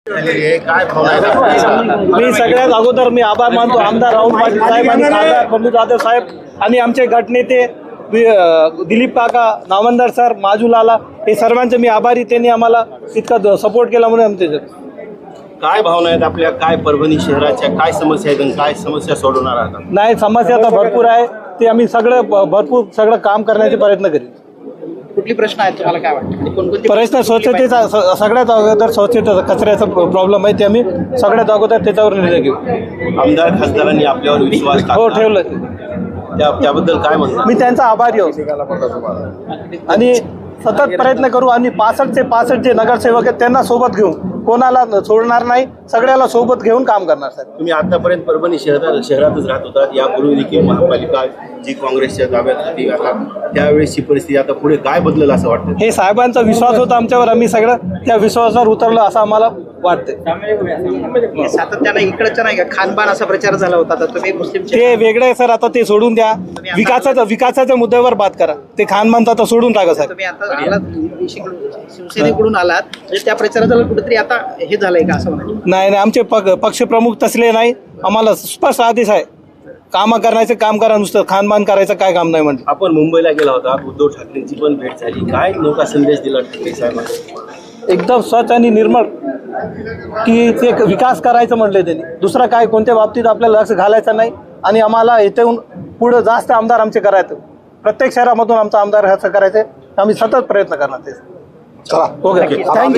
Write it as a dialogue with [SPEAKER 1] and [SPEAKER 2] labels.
[SPEAKER 1] काय भावना?
[SPEAKER 2] मी सगळ्यात अगोदर मी आभार मानतो आमदार राहुल पाटील साहेब आणि खासदार बंडू जाधव साहेब आणि आमचे गटनेते दिलीप काका, नामंदार सर, माजूलाला हे सर्वांचे मी आभारी. त्यांनी आम्हाला इतका सपोर्ट केला म्हणून आमचे
[SPEAKER 1] काय भावना आहेत आपल्या? काय परभणी शहराच्या काय समस्या आहेत आणि काय समस्या सोडवणार आहात?
[SPEAKER 2] नाही, समस्या तर भरपूर आहे. ते आम्ही भरपूर सगळं काम करण्याचे प्रयत्न करीत.
[SPEAKER 3] कुठली प्रश्न आहेत तुम्हाला काय वाटतं? कोणकोणते
[SPEAKER 2] प्रश्न स्वच्छतेचा सगळ्यात अगोदर स्वच्छता कचऱ्याचा प्रॉब्लेम आहे ते आम्ही सगळ्यात अगोदर त्याच्यावर निर्णय घेऊ.
[SPEAKER 1] आमदार खासदारांनी आपल्यावर विश्वास
[SPEAKER 2] हो
[SPEAKER 1] टाकला.
[SPEAKER 2] ठेवलं.
[SPEAKER 1] त्याबद्दल काय म्हणतात?
[SPEAKER 2] मी त्यांचा आभारी आहे आणि सतत प्रयत्न करू आणि 65 जे नगरसेवक आहेत त्यांना सोबत घेऊन कोणाला सोडणार नाही, सगळ्याला सोबत घेऊन काम करणार सर.
[SPEAKER 1] तुम्ही आतापर्यंत परभणी शहरातच राहत होतात. यापूर्वी देखील महापालिका जी काँग्रेसच्या ताब्यात होती, आता त्यावेळेसची परिस्थिती आता पुढे काय बदलेल असं वाटतं?
[SPEAKER 2] हे साहेबांचा विश्वास होता आमच्यावर, आम्ही सगळं त्या विश्वासावर उतरलं असं आम्हाला वाटतं.
[SPEAKER 3] सातत्यानं इकडच्या नाही का खानपान असा प्रचार झाला होता, तर तुम्ही मुस्लिम
[SPEAKER 2] ते वेगळं आहे सर, आता ते सोडून द्या. विकासाच्या मुद्द्यावर बात करा. ते खानमानचं आता सोडून टाका सर.
[SPEAKER 3] तुम्ही आता आलात शिवसेनेकडून आलात, म्हणजे त्या प्रचाराला कुठेतरी आता हे झालंय का असं म्हणायचं?
[SPEAKER 2] नाही, आमचे पक्षप्रमुख तसले नाही. आम्हाला स्पष्ट आदेश आहे, काम करण्याचे काम करा, नुसतं खानपान करायचं काय काम नाही म्हणते.
[SPEAKER 1] आपण मुंबईला गेला होता, उद्धव ठाकरेंची पण भेट झाली. काय नौका संदेश दिला ठाकरे साहेबांना?
[SPEAKER 2] एकदम स्वच्छ आणि निर्मळ की ते विकास करायचं म्हटले त्यांनी. दुसरं काय कोणत्या बाबतीत आपल्याला लक्ष घालायचं नाही आणि आम्हाला इथून पुढं जास्त आमदार आमचे करायचं. प्रत्येक शहरामधून आमचा आमदार ह्याचं करायचं. आम्ही सतत प्रयत्न करणार ते. चला, ओके, थँक्यू.